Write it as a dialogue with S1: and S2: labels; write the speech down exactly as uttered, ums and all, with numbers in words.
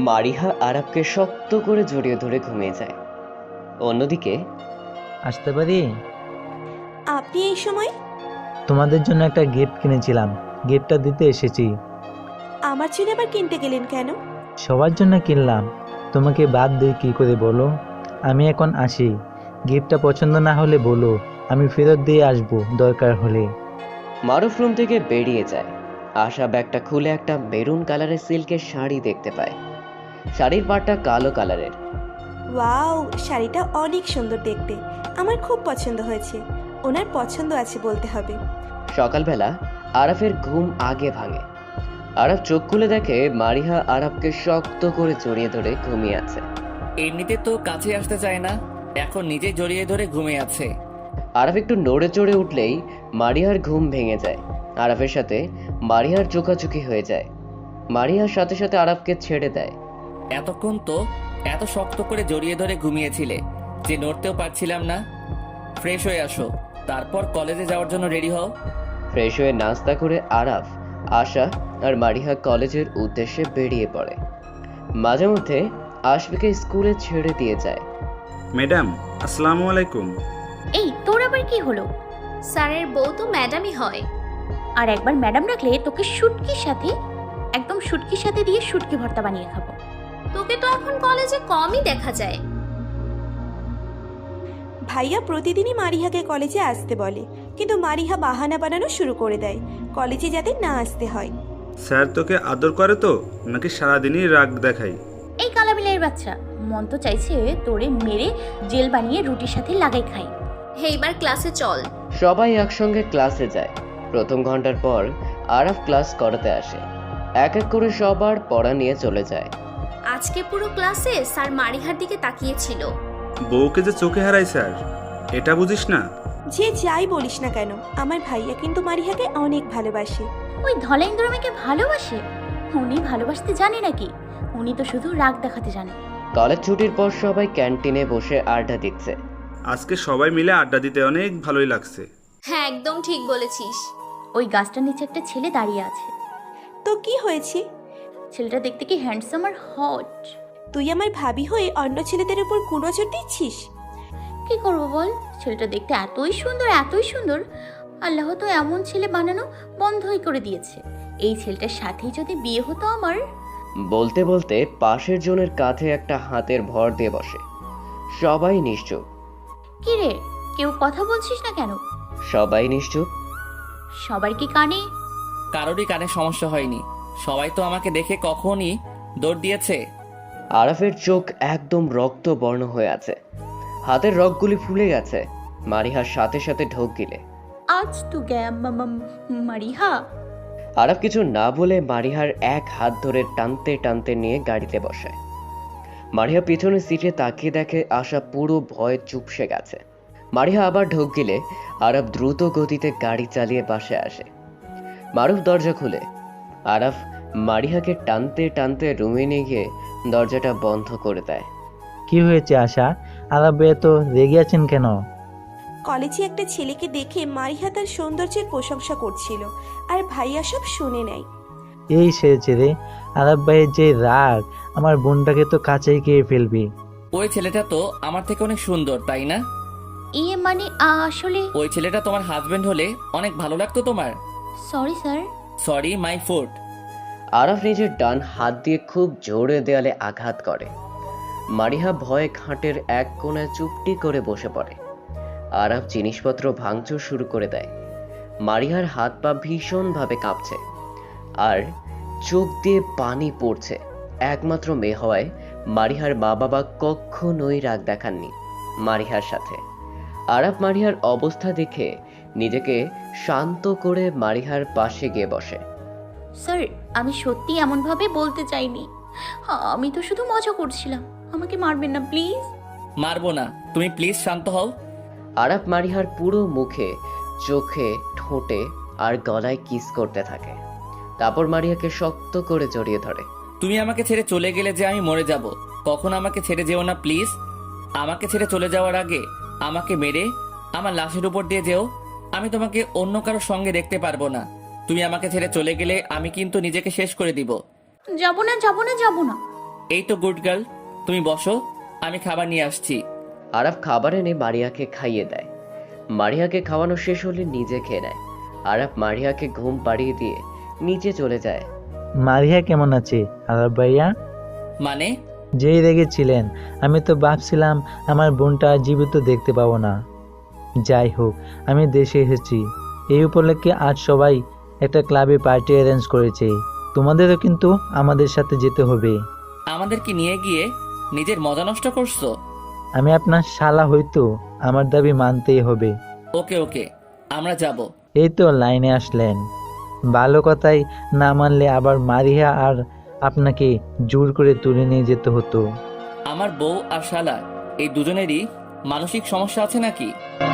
S1: মারিহা আরাবকে শক্ত করে জড়িয়ে ধরে ঘুমিয়ে যায়। অন্যদিকে
S2: আসতে পারি?
S3: আপনি এই সময়?
S2: তোমাদের জন্য একটা গিফট কিনেছিলাম, গিফটটা দিতে এসেছি।
S3: আমার জন্য আবার কিনতে গেলেন কেন?
S2: সবার জন্য কিনলাম, তোমাকে বাদ দিই কি করে বলো? আমি এখন আসি, গিফটটা পছন্দ না হলে বলো, আমি ফেরত দিয়ে আসবো দরকার হলে।
S1: মারুফ রুম থেকে বেরিয়ে যায়। আশা ব্যাগটা খুলে একটা মেরুন কালারের সিল্কের শাড়ি দেখতে পায়। শাড়ির পাড়টা কালো কালারের।
S3: ওয়াও, শাড়িটা অনেক সুন্দর দেখতে, আমার খুব পছন্দ হয়েছে। ওনার পছন্দ আছে বলতে হবে।
S1: সকালবেলা আরাফের ঘুম আগে ভাঙে। আরাফ চোখ খুলে দেখে মারিহা আরাফকে শক্ত করে জড়িয়ে ধরে ঘুমিয়ে আছে।
S4: এমনিতে তো কাছে আসতে চায় না, এখন নিজে জড়িয়ে ধরে ঘুমিয়ে আছে।
S1: আরাফ একটু নড়ে চড়ে উঠলেই মারিহার ঘুম ভেঙে যায়। আরাফের সাথে মারিহার চোখাচোখি হয়ে যায়। মারিহার সাথে সাথে আরাফকে ছেড়ে দেয়।
S4: এতক্ষণ তো এত শক্ত করে জড়িয়ে ধরে ঘুমিয়েছিলে যে নড়তেও পারছিলাম না। ফ্রেশ হয়ে আসো, তারপর কলেজে যাওয়ার জন্য রেডি হও।
S1: ফ্রেশ হয়ে নাস্তা করে আরাফ, আশা আর মারিহা কলেজের উদ্দেশ্যে বেরিয়ে পড়ে। মাঝে মধ্যে আশফিকে স্কুলে ছেড়ে দিয়ে যায়।
S5: ম্যাডাম, আসসালামু আলাইকুম।
S6: এই তোর আবার কি হলো?
S7: স্যারের বউ তো ম্যাডামই হয়।
S6: আর একবার ম্যাডাম রাখলে তোকে শুটকির সাথে, একদম শুটকির সাথে দিয়ে শুটকি ভর্তা বানিয়ে খাবো।
S7: তোকে তো এখন কলেজে কমই দেখা যায়।
S3: ভাইয়া প্রতিদিনই মারিহাকে কলেজে আসতে বলে, কিন্তু মারিহা বাহানা বানানো শুরু করে দেয় কলেজে যাতে না আসতে হয়।
S5: স্যার তোকে আদর করে তো, নাকি সারাদিনই রাগ দেখাই?
S6: এই কালাবিলাইয়ের বাচ্চা, মন তো চাইছে তোরে মেরে জেল বানিয়ে রুটির সাথে লাগাই খাই।
S7: এইবার ক্লাসে চল।
S1: সবাই একসঙ্গে ক্লাসে যায়। প্রথম ঘন্টার পর আরাফ ক্লাস করাতে আসে। এক এক করে সবার পড়া নিয়ে চলে যায়।
S7: আজকে পুরো ক্লাসে স্যার মারিহার দিকে তাকিয়েছিল।
S5: বউকে যে চোখে হারাই স্যার, এটা বুঝিস না?
S3: যে যাই বলিস না কেন, আমার ভাইয়া কিন্তু মারিহাকে অনেক ভালোবাসে।
S6: ওই ধলেন্দ্র মেয়েকে ভালোবাসে? উনি ভালোবাসতে জানে নাকি? উনি তো শুধু রাগ দেখাতে জানে।
S1: কলেজ ছুটির পর সবাই ক্যান্টিনে বসে আড্ডা দিচ্ছে।
S5: আজকে সবাই মিলে আড্ডা দিতে অনেক ভালোই লাগছে।
S7: হ্যাঁ, একদম ঠিক বলেছিস।
S6: ওই গাছটার নিচে একটা ছেলে দাঁড়িয়ে আছে।
S3: তো কি হয়েছে?
S6: ছেলেটা দেখতে কি হ্যান্ডসাম আর হট।
S3: তুই আমার ভাবি হয়ে অন্য ছেলেদের উপর কুনজর দিচ্ছিস?
S6: কি করবো বল, ছেলেটা দেখতে এতই সুন্দর, এতই সুন্দর, আল্লাহ তো এমন ছেলে বানানো বন্ধই করে দিয়েছে। এই ছেলেটার সাথেই যদি বিয়ে হতো আমার।
S1: বলতে বলতে পাশের জনের কাঁধে একটা হাতের ভর দিয়ে বসে। সবাই নিশ্চুপ।
S6: কি রে, কেউ কথা বলছিস না কেন?
S1: সবাই নিশ্চুপ।
S6: সবার কি কানে?
S4: কারোরই কানে সমস্যা হয়নি, সবাই তো আমাকে দেখে কখনই দৌড় দিয়েছে।
S1: আরাফের চোখ একদম রক্ত বর্ণ হয়ে আছে। হাতের রগগুলি ফুলে গেছে। মারিহার সাথে সাথে ঢোক গিলে।
S6: আজ তু গে মারিহা।
S1: আরাফ কিছু না বলে মারিহার এক হাত ধরে টানতে টানতে নিয়ে গাড়িতে বসায়। মারিহা পিছনে সিটে তাকিয়ে দেখে আশা পুরো ভয়ে চুপসে গেছে। মারিহা আবার ঢোক গিলে আরাফ দ্রুত গতিতে গাড়ি চালিয়ে পাশে আসে। মারুফ দরজা খুলে। আরাফ মারিহাকে টানতে টানতে রুমে নিয়ে গিয়ে দরজাটা বন্ধ করে দেয়।
S2: কি হয়েছে আশা? আলাবে তো রেগে আছেন কেন?
S3: কলেজে একটা ছেলেকে দেখে মারিহা তার সৌন্দর্যের প্রশংসা করছিল, আর ভাইয়া সব শুনে নেয়।
S2: এই সেরেছে রে, আলাপ ভাইয়ের যে রাগ, আমার বোনটাকে তো কাছেই খেয়ে ফেলবি।
S4: ওই ছেলেটা তো আমার থেকে অনেক সুন্দর, তাই না?
S6: ইয়ে মানে আসলে
S4: ওই ছেলেটা তোমার হাজবেন্ড হলে অনেক ভালো লাগতো তোমার।
S6: Sorry sir.
S4: Sorry my foot.
S1: Araf নিজের ডান হাত দিয়ে খুব জোরে দেয়ালে আঘাত করে। মারিহা ভয়ে খাটের এক কোণায় চুপটি করে বসে পড়ে। আরাফ জিনিসপত্র ভাঙচুর শুরু করে দেয়। মারিহার হাত পা ভীষণভাবে কাঁপছে আর চোখ দিয়ে পানি পড়ছে। একমাত্র মেয়ে হওয়ায় মারিহার মা বাবা কখনোই রাগ দেখাননি মারিহার সাথে। আরাফ মারিহার অবস্থা দেখে নিজেকে শান্ত করে মারিহার পাশে গিয়ে বসে।
S6: স্যার, আমি সত্যি এমনভাবে বলতে চাইনি, আমি তো শুধু মজা করছিলাম, আমাকে মারবেন না প্লিজ।
S4: মারবো না, তুমি প্লিজ শান্ত হও।
S1: আরাফ মারিহার পুরো মুখে, চোখে, ঠোঁটে আর গলায় কিস করতে থাকে। তারপর মারিহাকে শক্ত করে জড়িয়ে ধরে।
S4: তুমি আমাকে ছেড়ে চলে গেলে যে আমি মরে যাব, কখনো আমাকে ছেড়ে যেও না প্লিজ। আমাকে ছেড়ে চলে যাওয়ার আগে আমাকে মেরে আমার লাশের উপর দিয়ে যেও। আমি তোমাকে অন্য কারোর সঙ্গে দেখতে পারবো না। তুমি আমাকে ছেড়ে চলে গেলে আমি কিন্তু নিজেকে শেষ করে দিব।
S6: যাবো না, যাবো না, যাবো না।
S4: এই তো গুড গার্ল, তুমি বসো, আমি খাবার নিয়ে আসছি।
S1: আরাফ খাবার এনে মারিয়াকে খাইয়ে দেয়। মারিয়াকে খাওয়ানো শেষ হলে নিজে খেয়ে নেয়। আরাফ মারিয়াকে ঘুম পাড়িয়ে দিয়ে নিচে চলে যায়।
S2: মারিয়া কেমন আছে আলাপ ভাইয়া?
S4: মানে?
S2: যেই রেগেছিলেন, আমি তো ভাবছিলাম আমার বোনটা জীবিত দেখতে পাবো না। যাই হোক, আমি দেশে এসেছি। এই উপলক্ষে আজ সবাই একটা ক্লাবে পার্টি অ্যারেঞ্জ করেছে। তোমাদেরও কিন্তু আমাদের সাথে যেতে হবে।
S4: আমাদেরকে নিয়ে গিয়ে নিজের মজা নষ্ট করছো?
S2: আমি আপনার শালা হয়তো আমার দাবি মানতেই হবে।
S4: ওকে ওকে, আমরা যাব।
S2: এই তো লাইনে আসলেন। ভালো কথাই না মানলে আবার মারিয়া আর আপনাকে জোর করে তুলে নিয়ে যেতে হতো।
S4: আমার বউ আর শালা এই দুজনেরই মানসিক সমস্যা আছে নাকি?